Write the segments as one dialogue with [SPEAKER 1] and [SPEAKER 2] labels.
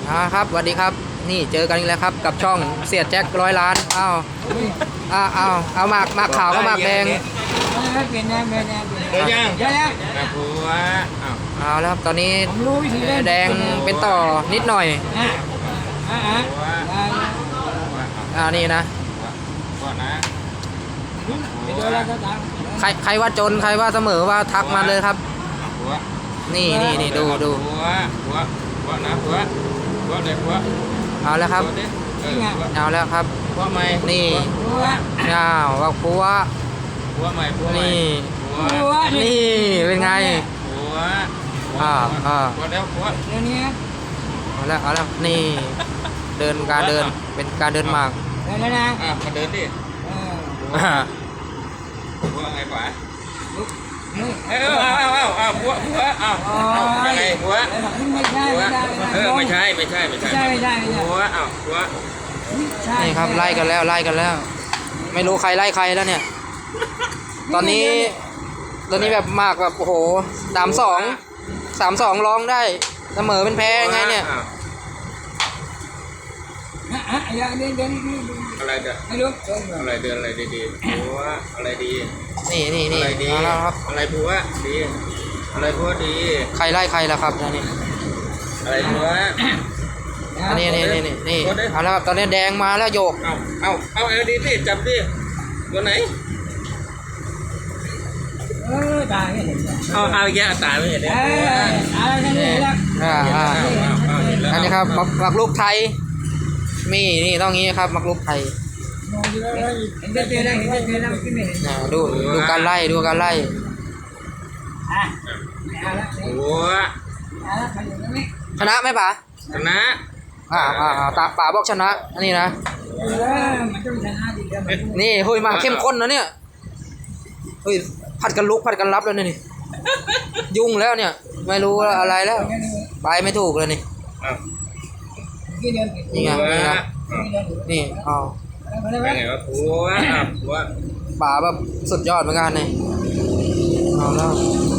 [SPEAKER 1] ครับสวัสดีครับนี่เจอกันอีกแล้วครับกับช่องเสียแจ็ค100 ล้านเอาหมากขาวกับหมากแดง
[SPEAKER 2] เปลี่ยนแนว
[SPEAKER 3] เดี๋ยวยัง
[SPEAKER 2] เดี๋ยว
[SPEAKER 3] นะผัว
[SPEAKER 1] เอาแล้วครับตอนนี้แดงเป็นต่อนิดหน่อยนี่นะ
[SPEAKER 3] ผัวนะ
[SPEAKER 1] ใครว่าจนใครว่าเสมอว่าทักมาเลยครับ
[SPEAKER 3] ผัว
[SPEAKER 1] นี่ดู
[SPEAKER 3] ผัวนะผัวเด็กผัว
[SPEAKER 1] เอาแล้วครับเอาแล้วครับ
[SPEAKER 3] ผัวใหม่
[SPEAKER 1] นี่ว่าผัว
[SPEAKER 3] ใหม่ผัวใหม่
[SPEAKER 1] นี่เป็นไง
[SPEAKER 3] ผัวผัวแล้วผัว
[SPEAKER 2] เดี๋ยวนี้
[SPEAKER 1] เอาแล้วนี่การเดินเป็นการเดินหมาก
[SPEAKER 2] เดินแล้วนะ
[SPEAKER 3] มาเดินดิผัวไงป๋าผัวยังไงผัว
[SPEAKER 2] ไม่ใช่
[SPEAKER 3] ไม่ใช่ผัวผัว
[SPEAKER 1] นี่ครับไล่กันแล้วไม่รู้ใครไล่ใครแล้วเนี่ยตอนนี้แบบมากแบบโอ้โห3-2ร้องได้เสมอเป็นแพ้ไงเนี่ย
[SPEAKER 3] อะไรเด้อ
[SPEAKER 2] ไม่รู้
[SPEAKER 3] อะไรเดินอะไรดีผัวอะไรดี
[SPEAKER 1] นี่
[SPEAKER 3] อะไรดี
[SPEAKER 1] ครับ
[SPEAKER 3] อะไรผัวดีอะไรผัวดี
[SPEAKER 1] ใครไล่ใครล่ะครับนี่
[SPEAKER 3] อะไรผัว
[SPEAKER 1] นี่เอาแล้วครับตอนนี้แดงมาแล้วโยก
[SPEAKER 3] เอาดีสิจับดิตัวไหน
[SPEAKER 2] ตาไม่เห็น
[SPEAKER 3] เอาแย่ตาไม่เห็นเลย
[SPEAKER 1] อันนี้ครับหมักลูกไทยนี่ต้องงี้ครับหมักลูกไทยดูการไล่
[SPEAKER 3] หัว
[SPEAKER 1] ชนะไหมป๋า
[SPEAKER 3] ชนะ
[SPEAKER 1] ป๋าบอกชนะอันนี้นะนี่เฮ้ยมาเข้มข้นนะเนี่ยเฮ้ยผัดกันลุกผัดกันรับแล้วนี่ยุ่งแล้วเนี่ยไม่รู้อะไรแล้วไปไม่ถูกเลยนี่นี่ไงนี่
[SPEAKER 3] เป็นไงวะผัว
[SPEAKER 1] ป๋าแบบสุดยอดเหมือนกันนี่เอาแล้ว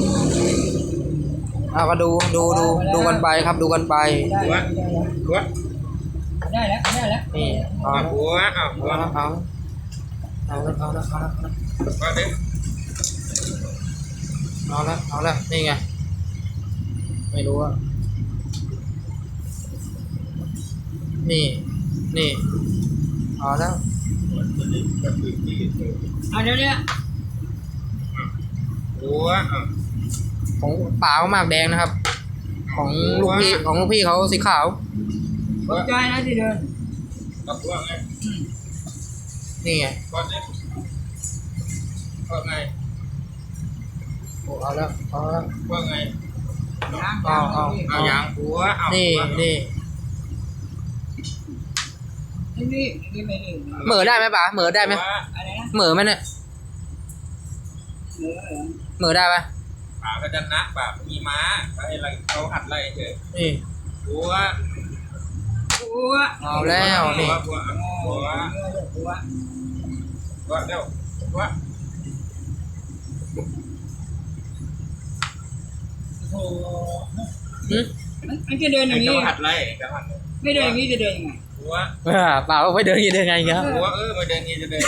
[SPEAKER 1] ก็ดูกันไปครับดูกันไป
[SPEAKER 3] ผัว
[SPEAKER 2] ได้แล้ว
[SPEAKER 1] นี่
[SPEAKER 3] ผัว
[SPEAKER 1] เอาละนี่ไงไม่รู้ว่านี่เอาแล้ว
[SPEAKER 2] เดี๋ยวนี้
[SPEAKER 3] ผัว
[SPEAKER 1] ของป๋าหมากแดงนะครับของลูกพี่เขาสีขาว
[SPEAKER 2] ตกใจนะที่เดิน
[SPEAKER 3] ผัวไง
[SPEAKER 1] นี่ไง
[SPEAKER 3] ผัวไง
[SPEAKER 1] เอาแล้ว
[SPEAKER 3] ผัวไง
[SPEAKER 1] เอา
[SPEAKER 3] อย่างผัว
[SPEAKER 1] นี่เหมือได้ไหมป๋าเหมือได้ไหมเหมือไหมเนี่ยเหมือได้ปะ
[SPEAKER 3] ป่าก็จะนักป่ามีม้าเขาหัดไล่เฉย
[SPEAKER 1] นี่
[SPEAKER 3] ผัว
[SPEAKER 1] เอาแล้วนี่
[SPEAKER 3] ผัวเดี๋ยวผัว
[SPEAKER 2] มันจะเดินอย่างนี้
[SPEAKER 3] หัดไล่
[SPEAKER 2] ไม่เดินอย่างนี้จะเดินยังไง
[SPEAKER 1] ป๋าไม่เดินยังไงครับ
[SPEAKER 3] ผัวไม่เดินงี้จะเดิน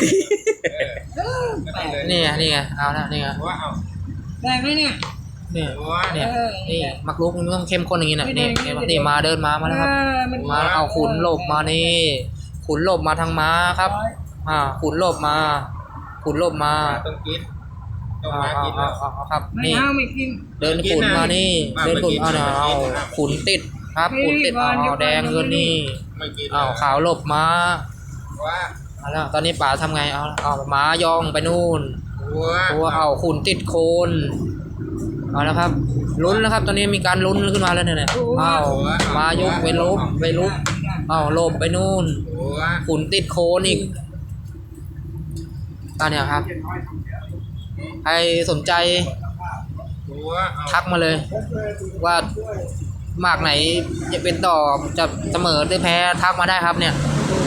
[SPEAKER 1] นี่ไงเอาแล้วนี่ไง
[SPEAKER 3] ผัว
[SPEAKER 2] ได้ไหมเนี่ย
[SPEAKER 1] นี่มักลุกมันต้องเข้มข้นอย่างนี้นะนี่มาเดินมาแล้วครับมาเอาขุนหลบมานี่ขุนหลบมาทางม้าครับขุนหลบมา
[SPEAKER 3] ต้องกิน
[SPEAKER 1] ครับนี่เดินขุนมานี่เดินขุนเอาขุนติดครับขุนติดเอาแดงเงินนี่ขาวหลบมาแล้วตอนนี้ป๋าทำไงเอาม้าย่องไปนู่นตัวเอาขุนติดโคนเอาแล้วครับลุ้นแล้วครับตอนนี้มีการลุ้นขึ้นมาแล้วเนี่ยมายกไปลุกหลบไปนู่นขุนติดโคนอีกตอนนี้ครับใครสนใจทักมาเลยว่าหมากไหนจะเป็นต่อจะเสมอหรือแพ้ทักมาได้ครับเนี่ย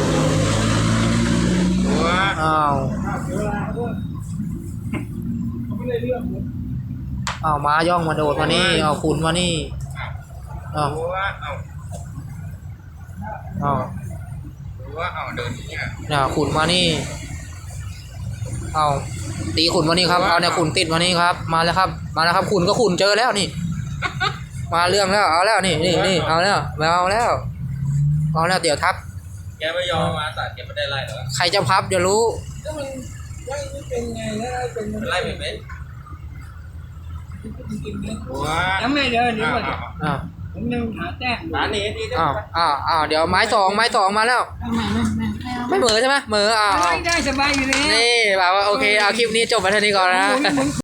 [SPEAKER 1] ม้าย่องมาโดดมานี่ขุนมานี่อ้าว
[SPEAKER 3] รู้ว่าเดินเนี่ย
[SPEAKER 1] เนี่ยขุนมานี่เอาตีขุนมานี่ครับเอาเนี่ยขุนติดมานี่ครับมาแล้วครับมาแล้วครับขุนก็ขุนเจอแล้วนี่ มาเรื่องแล้วเอาแล้วนี่เอาแล้วเอาแล้วเดี๋ยวทับ
[SPEAKER 3] แกไม่ยอมมาสัตว์แกไม่ได้ไล่หรอ
[SPEAKER 1] ใครจะพับเดี๋ยวรู้
[SPEAKER 2] ก็มันไล่ไม่เป็นไงแล้วเป็นมัน
[SPEAKER 3] ไล่ไม่เป็น
[SPEAKER 2] จริงๆนะ
[SPEAKER 3] ว้า
[SPEAKER 2] ยังไม่เดินเดี๋ยวก่อน
[SPEAKER 1] อ้าว
[SPEAKER 2] ผมยังหาแต้ม
[SPEAKER 3] ร้านนี้ดีด้วย
[SPEAKER 1] อ้าวเดี๋ยวไม้สองมาแล้ว
[SPEAKER 2] ทำไม
[SPEAKER 1] ไม่เหมือใช่ไหมเหมือ
[SPEAKER 2] ไม่ได้สบายอยู่แล้ว
[SPEAKER 1] นี่แบบว่าโอเคเอาคลิปนี้จบไปเท่านี้ก่อนนะ
[SPEAKER 2] หมุน